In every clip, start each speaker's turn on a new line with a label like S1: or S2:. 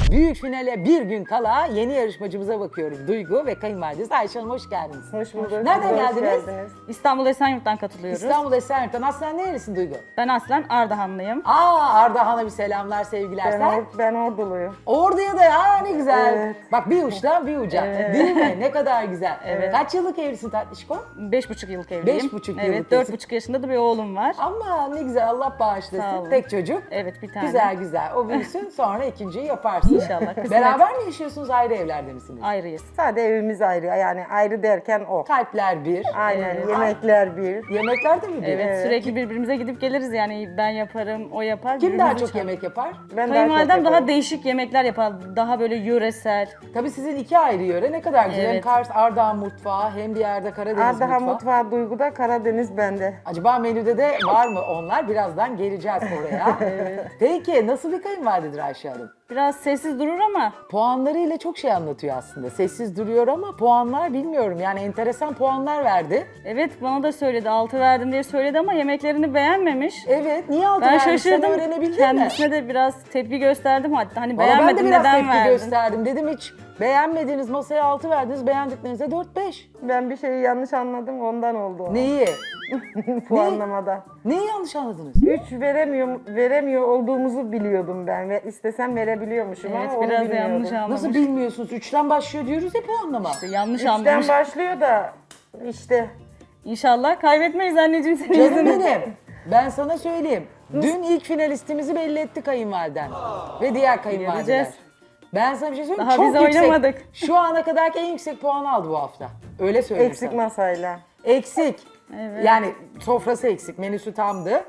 S1: Büyük finale bir gün kala yeni yarışmacımıza bakıyorum. Duygu ve kayınvalidesi Ayşe Hanım, hoş geldiniz.
S2: Hoş bulduk.
S1: Nereden
S2: Siz de hoş
S1: geldiniz?
S3: İstanbul Esenyurt'tan katılıyoruz.
S1: İstanbul Esenyurt'tan. Aslen nerelisin Duygu?
S3: Ben aslen Ardahanlıyım.
S1: Ardahan'a bir selamlar, sevgiler. Sen?
S2: Ben Orduluyum.
S1: Ordu'ya da ne güzel.
S2: Evet.
S1: Bak bir uçtan bir uca. Değil mi? Ne kadar güzel. Kaç yıllık evlisin Tatlışko?
S3: 5,5 yıllık evliyim.
S1: 5,5 yıllık
S3: Evet,
S1: evlisin.
S3: 4,5 yaşında da bir oğlum var.
S1: Ama ne güzel, Allah
S3: Sağ
S1: bağışlasın.
S3: olun.
S1: Tek çocuk.
S3: Evet, bir tane.
S1: Güzel güzel. O büyüsün, sonra ikinciyi yaparsın.
S3: İnşallah, kısmet.
S1: Beraber mi yaşıyorsunuz, ayrı evlerde misiniz?
S3: Ayrıyız.
S2: Sadece evimiz ayrı. Yani ayrı derken o.
S1: Kalpler bir.
S2: Aynen. Yemekler bir.
S1: Yemekler de mi bir?
S3: Evet, sürekli birbirimize gidip geliriz yani ben yaparım, o yapar.
S1: Kim daha
S3: birbirimizi
S1: çok
S3: çağırır.
S1: yemek yapar?
S2: Ben
S3: Kayınvalidem
S2: çok
S3: daha
S2: yaparım.
S3: değişik yemekler yapar. Daha böyle yöresel.
S1: Tabii sizin iki ayrı yöre, ne kadar güzel. Hem
S3: Evet.
S1: Kars, Ardahan mutfağı, hem bir yerde Karadeniz
S2: Ardahan
S1: mutfağı.
S2: mutfağı Duygu'da, Karadeniz bende.
S1: Acaba menüde de var mı onlar? Birazdan geleceğiz oraya. Peki nasıl bir kayınvalidedir Ayşe Hanım?
S3: Biraz sessiz durur ama
S1: Puanlarıyla çok şey anlatıyor aslında. Sessiz duruyor ama puanlar bilmiyorum. Yani enteresan puanlar verdi.
S3: evet bana da söyledi. 6 verdim diye söyledi ama yemeklerini beğenmemiş.
S1: Evet, niye altı
S3: Ben
S1: vermiş? Sen
S3: şaşırdım.
S1: öğrenebildin mi?
S3: Kendisine de biraz tepki gösterdim hatta. Hani
S1: Valla ben de
S3: beğenmedim
S1: biraz
S3: neden
S1: tepki
S3: verdin?
S1: gösterdim. Dedim hiç beğenmediğiniz masaya 6 verdiniz, beğendiklerinize 4-5.
S2: Ben bir şeyi yanlış anladım, ondan oldu o.
S1: Neyi?
S2: Puanlamada.
S1: Neyi yanlış anladınız?
S2: 3 veremiyor olduğumuzu biliyordum ben ve istesem verebiliyormuşum
S3: Evet,
S2: ama onu
S3: biraz
S2: bilmiyordum.
S3: yanlış anlamış.
S1: Nasıl bilmiyorsunuz? 3'ten başlıyor diyoruz ya puanlama.
S3: Yanlış
S2: 3'ten
S3: anlamış.
S2: başlıyor da işte
S3: İnşallah kaybetmeyiz anneciğim senin
S1: Canım
S3: yüzünden.
S1: benim. Ben sana söyleyeyim. Dün ilk finalistimizi belli etti kayınvaliden. Ve diğer kayınvalideler.
S3: Göreceğiz.
S1: Ben sana bir şey söyleyeyim.
S3: Daha
S1: Çok
S3: biz
S1: yüksek.
S3: oynamadık.
S1: Şu ana kadarki en yüksek puanı aldı bu hafta. Öyle söyleyeyim
S2: eksik
S1: sana.
S2: masayla.
S1: Eksik.
S3: Evet.
S1: Yani sofrası eksik, menüsü tamdı.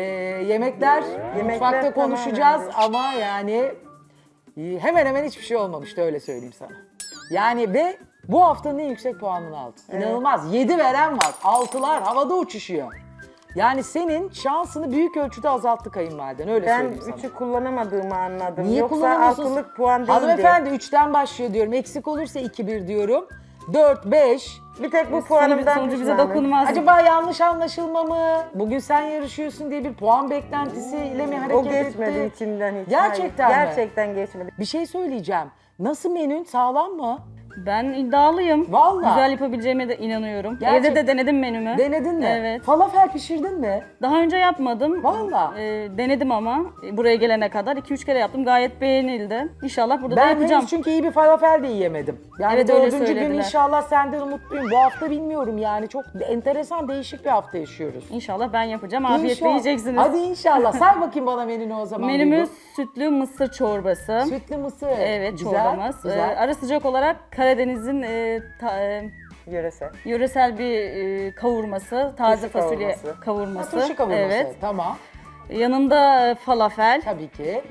S1: Yemekler mutfakta
S2: tamamen
S1: konuşacağız
S2: değil.
S1: ama yani hemen hemen hiçbir şey olmamıştı, öyle söyleyeyim sana. Yani ve bu haftanın en yüksek puanını aldı. İnanılmaz. 7 veren var. 6'lar havada uçuşuyor. Yani senin şansını büyük ölçüde azalttı kayınvaliden, öyle
S2: Ben
S1: söyleyeyim sana.
S2: 3'ü kullanamadığımı anladım.
S1: Niye
S2: Yoksa
S1: kullanamıyorsunuz?
S2: altılık puan değildi.
S1: Hanımefendi 3'ten başlıyor diyorum. Eksik olursa 2-1 diyorum. 4-5.
S2: Bir tek bu
S3: Sonucu
S2: puanımdan
S3: bize
S2: pişmanım.
S3: dokunmaz.
S1: Acaba yanlış anlaşılma mı? Bugün sen yarışıyorsun diye bir puan beklentisiyle mi hareket
S2: O geçmedi
S1: etti?
S2: içimden hiç.
S1: Gerçekten
S2: Hayır,
S1: mi?
S2: gerçekten geçmedi.
S1: Bir şey söyleyeceğim. Nasıl menün? Sağlam mı?
S3: Ben iddialıyım.
S1: Vallahi.
S3: Güzel yapabileceğime de inanıyorum.
S1: Gerçek-
S3: Evde de denedim menümü.
S1: Denedin mi?
S3: Evet.
S1: Falafel pişirdin mi?
S3: Daha önce yapmadım.
S1: Vallahi.
S3: Denedim ama buraya gelene kadar 2-3 kere yaptım. Gayet beğenildi. İnşallah burada da
S1: Ben
S3: yapacağım.
S1: henüz çünkü iyi bir falafel de yiyemedim. Yani
S3: Evet, öyle
S1: 4. gün
S3: söylediler.
S1: inşallah senden umutluyum. Bu hafta bilmiyorum yani. Çok enteresan, değişik bir hafta yaşıyoruz.
S3: İnşallah ben yapacağım. Afiyetle
S1: İnşallah.
S3: yiyeceksiniz.
S1: Hadi inşallah. Say bakayım bana menünü o zaman.
S3: Menümüz
S1: Duygu.
S3: sütlü mısır çorbası.
S1: Sütlü mısır.
S3: Evet,
S1: Güzel,
S3: çorbamız.
S1: Güzel.
S3: Ara sıcak olarak Karadeniz'in
S2: Yöresel.
S3: yöresel bir kavurması, taze
S2: Turşu
S3: fasulye
S2: kavurması.
S3: kavurması.
S1: Turşu kavurması.
S3: Evet.
S1: Tamam.
S3: Yanında falafel,
S1: Tabii ki.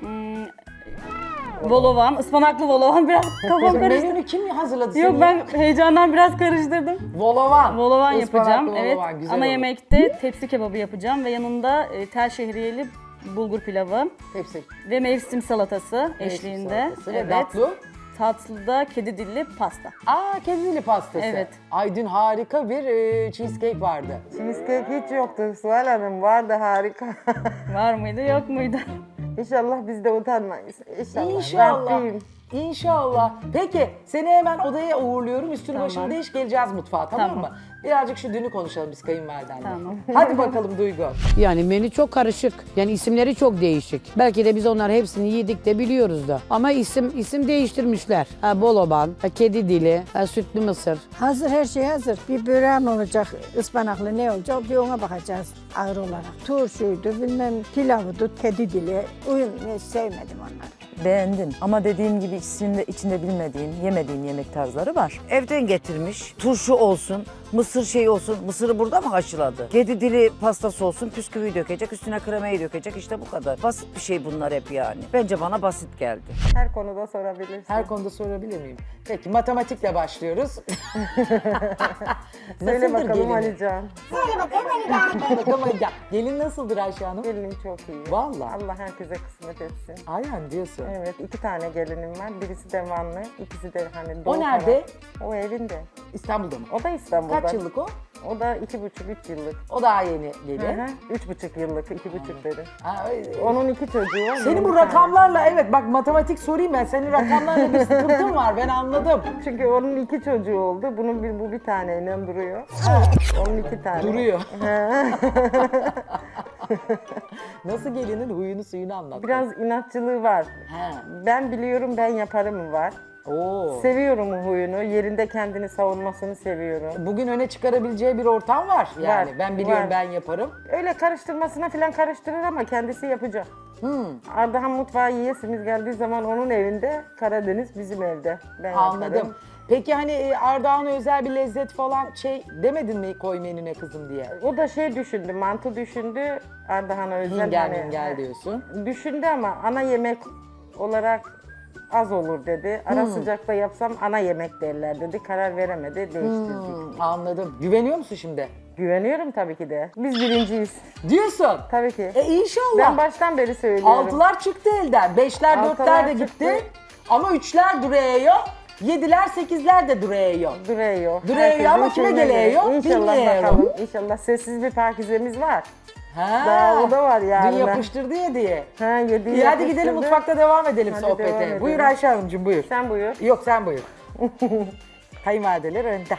S3: volovan, ıspanaklı volovan biraz kafam karıştı.
S1: Menünü kim hazırladı?
S3: Yok
S1: seni?
S3: ben heyecandan biraz karıştırdım.
S1: Volovan.
S3: Volovan
S1: Ispanaklı
S3: yapacağım. Evet.
S1: volovan, güzel
S3: Ana
S1: olur.
S3: yemekte tepsi kebabı yapacağım ve yanında tel şehriyeli bulgur pilavı
S1: Hepsi.
S3: ve mevsim salatası eşliğinde.
S1: Salatası ve tatlı.
S3: Tatlıda kedi dilli pasta.
S1: Kedi dili pastası.
S3: Evet.
S1: Ay dün harika bir cheesecake vardı.
S2: Cheesecake hiç yoktu Suhal Hanım. Vardı harika.
S3: Var mıydı yok muydu?
S2: İnşallah biz de utanmayız. İnşallah.
S1: İnşallah.
S2: Rabbim.
S1: İnşallah. Peki seni hemen odaya uğurluyorum. Üstünü
S3: Tamam.
S1: başını değiş, geleceğiz mutfağa, tamam
S3: Tamam.
S1: mı? Birazcık şu dünü konuşalım biz kayınvalidenle.
S3: Tamam.
S1: Hadi bakalım Duygu.
S4: Yani menü çok karışık. Yani isimleri çok değişik. Belki de biz onları hepsini yedik de biliyoruz da. Ama isim değiştirmişler. Boloban, kedi dili, sütlü mısır.
S5: Hazır, her şey hazır. Bir böreğim olacak, ıspanaklı ne olacak bir ona bakacağız ağır olarak. Turşuydu, bilmem pilavıydı, kedi dili. Sevmedim onları.
S6: Beğendim ama dediğim gibi içinde bilmediğim, yemediğim yemek tarzları var. Evden getirmiş, turşu olsun, mısır şey olsun, mısırı burada mı haşladı? Kedi dili pastası olsun, püsküvü dökecek, üstüne kremayı dökecek, işte bu kadar. Basit bir şey bunlar hep yani. Bence bana basit geldi.
S2: Her konuda sorabilirsin.
S1: Her konuda sorabilir miyim? Peki matematikle başlıyoruz.
S2: Söyle
S1: Nasıldır
S2: bakalım
S1: gelini?
S2: Alican.
S1: Bakalım Alican. Gelin nasıldır Ayşe Hanım?
S2: Gelinim çok iyi.
S1: Vallahi.
S2: Allah herkese kısmet etsin.
S1: Aynen diyorsun.
S2: Evet, 2 tane gelinim var. Birisi de Vanlı, ikisi de hani
S1: O
S2: Doğu
S1: nerede?
S2: taraf. O evinde.
S1: İstanbul'da mı?
S2: O da İstanbul'da.
S1: Kaç yıllık o?
S2: O da 2,5-3 yıllık.
S1: O daha yeni
S2: Hı
S1: gelin.
S2: hı. 3,5 yıllık, 2,5 dedi.
S1: Ha,
S2: Onun 2 çocuğu var.
S1: senin
S2: benim
S1: bu
S2: bir tane.
S1: rakamlarla evet bak matematik sorayım ben. Senin rakamlarla bir sıkıntın var ben anladım.
S2: Çünkü onun 2 çocuğu oldu. Bu bir taneyle duruyor. Onun 2 tane.
S1: Duruyor. Nasıl gelinin huyunu suyunu anlat.
S2: Biraz inatçılığı var.
S1: He.
S2: Ben biliyorum, ben yaparım var.
S1: Oo.
S2: Seviyorum o huyunu. Yerinde kendini savunmasını seviyorum.
S1: Bugün öne çıkarabileceği bir ortam var yani.
S2: Var,
S1: Ben biliyorum
S2: var.
S1: ben yaparım.
S2: Öyle karıştırmasına falan karıştırır ama kendisi yapacak. Ardahan mutfağı yiyesimiz geldiği zaman onun evinde, Karadeniz bizim evde. Ben
S1: Anladım.
S2: yaparım.
S1: Peki hani Ardahan'a özel bir lezzet falan şey demedin mi koy menüne kızım diye?
S2: O da şey düşündü, mantı düşündü. Ardahan'a özel.
S1: Hingel diyorsun.
S2: Düşündü ama ana yemek olarak az olur dedi. Ara sıcakta yapsam ana yemek derler dedi. Karar veremedi, değiştirdik.
S1: Anladım. Güveniyor musun şimdi?
S2: Güveniyorum tabii ki de. Biz birinciyiz.
S1: Diyorsun.
S2: Tabii ki.
S1: İnşallah.
S2: Ben baştan beri söylüyorum.
S1: Altılar çıktı elden. Beşler,
S2: Altılar
S1: dörtler de
S2: çıktı.
S1: gitti. Ama üçler duruyor. Yediler, sekizler de duruyor.
S2: Duruyor.
S1: Duruyor
S2: Herkesin
S1: ama kime
S2: şeyine göre.
S1: geliyor?
S2: İnşallah
S1: Bilmiyorum.
S2: bakalım. İnşallah sessiz bir pakizemiz var.
S1: Ha.
S2: Daha o da var yani.
S1: Dün yapıştırdı ya diye.
S2: Ha, yediği
S1: İyi hadi
S2: yapıştırdı.
S1: gidelim mutfakta devam edelim
S2: Hadi devam
S1: sohbete.
S2: edelim.
S1: Buyur Ayşe Hanımcığım buyur.
S2: Sen buyur.
S1: Yok sen buyur. Kayınvalideler önde.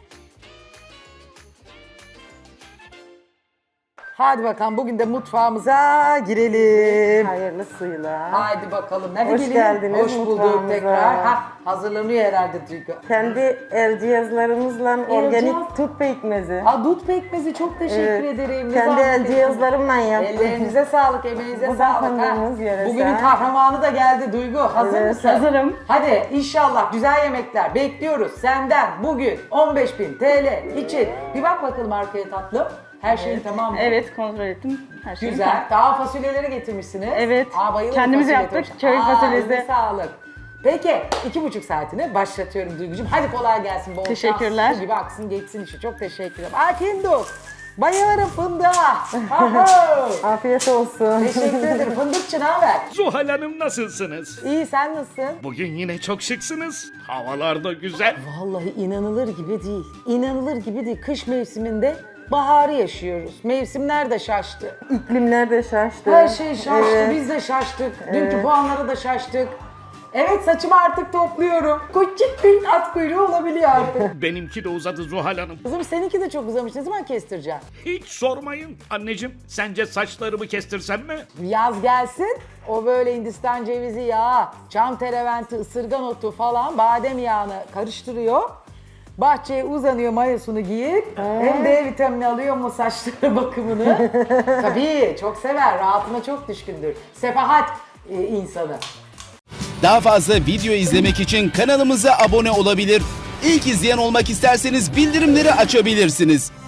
S1: Hadi bakalım bugün de mutfağımıza girelim.
S2: Hayırlısıyla.
S1: Haydi bakalım. Nerede
S2: Hoş
S1: gelin?
S2: geldiniz
S1: Hoş bulduk
S2: mutfağımıza.
S1: tekrar. Ha, hazırlanıyor herhalde Duygu.
S2: Kendi el cihazlarımızla organik
S1: cihaz.
S2: tut pekmezi.
S1: Aa, dut pekmezi çok teşekkür
S2: Evet.
S1: ederim. Ne
S2: Kendi el
S1: zahmet ettiniz.
S2: cihazlarımla yaptım.
S1: Ellerinize sağlık, emeğinize
S2: Bu da
S1: sağlık.
S2: fındığımız yöresel.
S1: Bugünün kahramanı da geldi Duygu. Hazır
S2: Evet,
S1: mısın?
S3: hazırım.
S1: Hadi inşallah güzel yemekler bekliyoruz senden bugün 15.000 TL için. Bir bak bakalım arkaya tatlım. Her şeyin tamam mı?
S3: Evet, kontrol ettim. Her şey
S1: Güzel.
S3: tamam.
S1: Daha fasulyeleri getirmişsiniz.
S3: Evet.
S1: Bayılırım
S3: Kendimiz
S1: fasulye
S3: yaptık,
S1: turşu.
S3: köy fasulyesi.
S1: Eline sağlık. Peki 2,5 saatini başlatıyorum Duygucuğum. Hadi kolay gelsin. Bol
S3: Teşekkürler.
S1: şans. Su gibi aksın geçsin işi. Çok teşekkür ederim. Fındık. Bayılırım fındığa. Aho.
S2: Afiyet olsun.
S1: Teşekkür ederim. Fındıkçı ne haber?
S7: Zuhal Hanım nasılsınız?
S1: İyi sen nasılsın?
S7: Bugün yine çok şıksınız. Havalar da güzel.
S1: Vallahi inanılır gibi değil. İnanılır gibi değil. Kış mevsiminde baharı yaşıyoruz. Mevsimler de şaştı.
S2: İklimler de şaştı.
S1: Her şey şaştı.
S2: Evet.
S1: Biz de şaştık. Dünkü puanlara da şaştık. Evet saçımı artık topluyorum. Küçük bir at kuyruğu olabiliyor artık.
S7: Benimki de uzadı Zuhal Hanım.
S1: Kızım seninki de çok uzamış. Ne zaman kestireceksin?
S7: Hiç sormayın. Anneciğim, sence saçlarımı kestirsem mi?
S1: Yaz gelsin. O böyle Hindistan cevizi yağı, çam tereventi, ısırgan otu falan badem yağını karıştırıyor. Bahçeye uzanıyor mayosunu giyip hem D vitamini alıyor mu saçları bakımını. Tabii çok sever. Rahatına çok düşkündür. Sefahat insanı.
S8: Daha fazla video izlemek için kanalımıza abone olabilir. İlk izleyen olmak isterseniz bildirimleri açabilirsiniz.